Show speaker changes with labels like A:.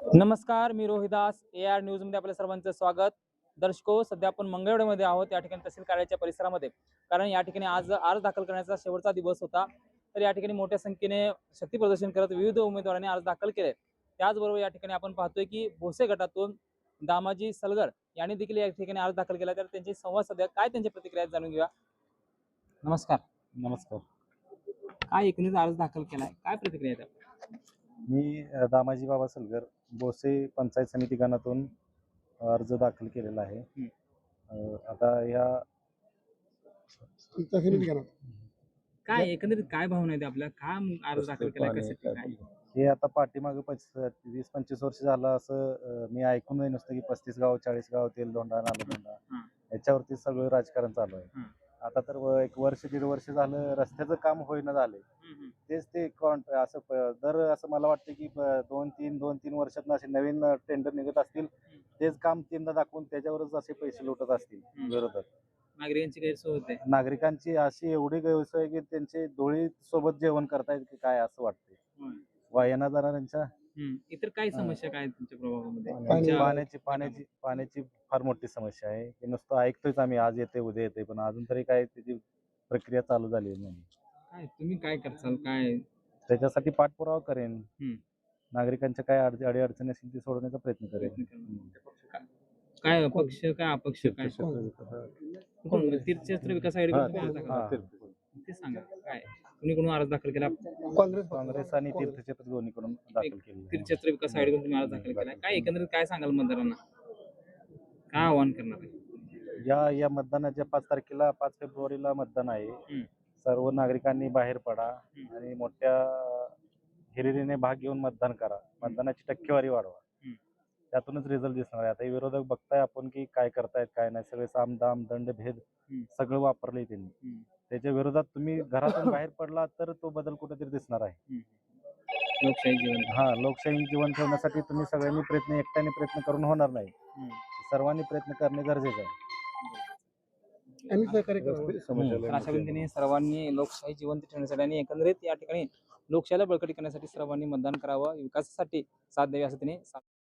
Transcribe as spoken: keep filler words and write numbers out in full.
A: नमस्कार, मी Rohidas. A R न्यूजमध्ये आपल्या सर्वांचं स्वागत. दर्शको, सध्या आपण मंगळवेढ्यामध्ये आहोत, या ठिकाणी तहसील कार्यालयाच्या परिसरामध्ये. कारण या ठिकाणी आज अर्ज दाखल करण्याचा शेवटचा दिवस होता. तर या ठिकाणी मोठ्या संख्येने शक्ती प्रदर्शन करत विविध उमेदवारांनी अर्ज दाखल केले. त्याचबरोबर या ठिकाणी आपण पाहतोय की भोसे गटातून दामाजी सलगर यांनी देखील या ठिकाणी अर्ज दाखल केला. तर त्यांची संवाद सध्या काय त्यांची प्रतिक्रिया आहेत जाणून घेऊया. नमस्कार.
B: नमस्कार.
A: काय एकूणच अर्ज दाखल केलाय, काय प्रतिक्रिया आहेत?
B: मी अ, दामाजी बाबा सलगर बोसे पंचायत समिती गणातून अर्ज दाखल केलेला आहे. अ, आता या
A: काय एकंदरीत काय भावना आहेत आपल्या, का अर्ज दाखल केला, कशासाठी काय?
B: हे आता पाठीमागं वीस पंचवीस वर्ष झालं असं अ, मी ऐकून नाही नुसतं की पस्तीस गाव चाळीस गाव तेलदोंडा नालदोंडा याच्यावरती सगळं राजकारण चालू आहे. आता तर व- एक वर्ष दीड वर्ष झालं रस्त्याचं काम होईना झालंय. तेच ते कॉन्ट असं प- दर असं मला वाटतं की ब- दोन तीन दोन तीन वर्षात असे नवीन टेंडर निघत असतील, तेच काम तीनदा दाखवून त्याच्यावरच असे पैसे लुटत असतील विरोधक.
A: नागरिकांची गैरसोय होते.
B: नागरिकांची अशी एवढी गैरसोय आहे की त्यांचे डोळी सोबत जेवण करतायत की काय असं वाटतंय. वायना जाणाऱ्यांच्या
A: इतर काय समस्या काय आहेत तुमच्या प्रभागामध्ये?
B: पाणी- पाण्याची पाण्याची पाण्याची फार मोठी समस्या आहे. हे नुसतं ऐकतोयच आम्ही, आज येते उद्या येते, पण अजून तरी काय त्याची प्रक्रिया चालू झाली नाही.
A: काय तुम्ही काय करसाल, काय
B: त्याच्यासाठी पाठपुरावा करेन.
A: हम्म.
B: नागरिकांच्या काय अडचणी अडीअडचणी असतील ते सोडवण्याचा प्रयत्न करेन.
A: काय- काय अपक्ष काय अपक्ष काय कोण तीर्थक्षेत्र विकास आयोगाकडून तुम्ही अर्ज दाखल
B: हा.
A: केला? ते सांगा काय कुणी कोण अर्ज दाखल केला?
B: काँग्रेस आणि तीर्थक्षेत्र दोन्हीकडून दाखल केले.
A: तीर्थक्षेत्र विकास आयोगाकडून तुम्ही अर्ज दाखल केला. काय एकंदरीत काय सांगाल मतदारांना, काय आव्हान करणार आहे?
B: या या मतदानाच्या पाच तारखेला पाच फेब्रुवारीला मतदान आहे. सर्व नागरिकांनी बाहेर पडा आणि मोठ्या हिरिरीने भाग घेऊन मतदान करा. मतदानाची टक्केवारी वाढवा. त्यातूनच रिझल्ट दिसणार आहे. आता हे विरोधक बघताय आपण की काय करतायत काय नाही, सगळे साम दाम दंड भेद सगळं वापरलंय त्यांनी. त्याच्या विरोधात तुम्ही घरातून बाहेर पडला तर तो बदल कुठेतरी दिसणार आहे.
A: लोकशाही जीवन
B: हा, लोकशाही जीवन ठेवण्यासाठी तुम्ही सगळ्यांनी प्रयत्न एकट्याने प्रयत्न करून होणार नाही. सर्वांनी प्रयत्न करणे गरजेचं आहे.
A: अशा पद्धतीने सर्वांनी लोकशाही जिवंत ठेवण्यासाठी आणि एकंदरीत या ठिकाणी लोकशाहीला बळकटी करण्यासाठी सर्वांनी मतदान करावं, विकासासाठी साथ द्यावी असं त्यांनी